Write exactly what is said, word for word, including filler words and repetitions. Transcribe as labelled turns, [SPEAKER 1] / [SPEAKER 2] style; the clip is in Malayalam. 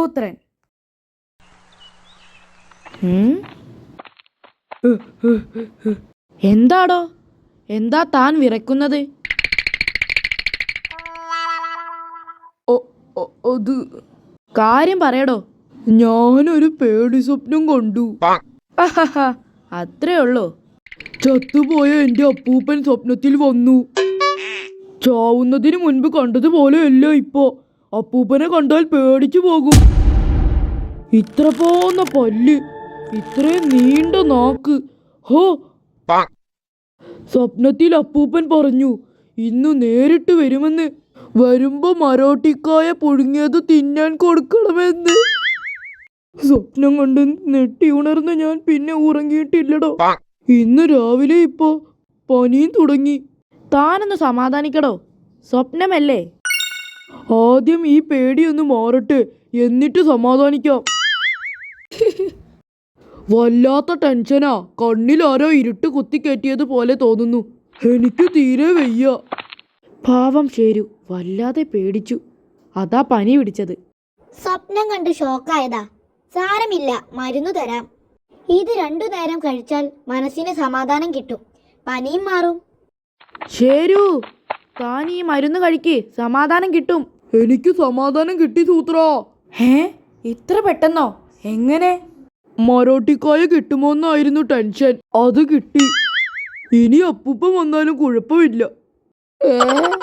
[SPEAKER 1] ദത്തപുത്രൻ. എന്താടോ, എന്താ താൻ വിറയ്ക്കുന്നത്? അത് കാര്യം പറയടോ. ഞാനൊരു പേടി സ്വപ്നം കണ്ടു. അത്രേ ഉള്ളൂ? ചത്തുപോയ എന്റെ അപ്പൂപ്പൻ സ്വപ്നത്തിൽ വന്നു. ചാവുന്നതിന് മുൻപ് കണ്ടതുപോലെയല്ല ഇപ്പോ. അപ്പൂപ്പനെ കണ്ടാൽ പേടിച്ചു പോകും. ഇത്ര പോന്ന പല്ല്, ഇത്രയും നീണ്ട നാക്ക്. ഹോ, സ്വപ്നത്തിൽ അപ്പൂപ്പൻ പറഞ്ഞു ഇന്ന് നേരിട്ട് വരുമെന്ന്. വരുമ്പോ മരോട്ടിക്കായ പുഴുങ്ങിയത് തിന്നാൻ കൊടുക്കണമെന്ന്. സ്വപ്നം കണ്ട് നെട്ടി ഉണർന്ന് ഞാൻ പിന്നെ ഉറങ്ങിയിട്ടില്ലടോ. ഇന്ന് രാവിലെ ഇപ്പോ പനിയും തുടങ്ങി. താനൊന്ന് സമാധാനിക്കടോ, സ്വപ്നമല്ലേ. ആദ്യം ഈ പേടിയൊന്ന് മാറട്ടെ, എന്നിട്ട് സമാധാനിക്കാം. വല്ലാത്ത ടെൻഷനാ. കണ്ണിലാരോ ഇരുട്ട് കുത്തിക്കയറ്റിയത് പോലെ തോന്നുന്നു. എനിക്ക് തീരെ വയ്യ. പാവം ശരു വല്ലാതെ പേടിച്ചു. അതാ പനി പിടിച്ചത്.
[SPEAKER 2] സ്വപ്നം കണ്ട് ഷോക്കായതാ. സാരമില്ല, മരുന്ന് തരാം. ഇത് രണ്ടു നേരം കഴിച്ചാൽ മനസ്സിന് സമാധാനം കിട്ടും, പനിയും മാറും.
[SPEAKER 1] ശരു, താൻ ഈ മരുന്ന് കഴിക്ക്, സമാധാനം കിട്ടും. എനിക്ക് സമാധാനം കിട്ടി സൂത്രാ. ഹേ, ഇത്ര പെട്ടെന്നോ? എങ്ങനെ? മരോട്ടിക്കായ കിട്ടുമോന്നായിരുന്നു ടെൻഷൻ. അത് കിട്ടി. ഇനി അപ്പൂപ്പൻ വന്നാലും കുഴപ്പമില്ല.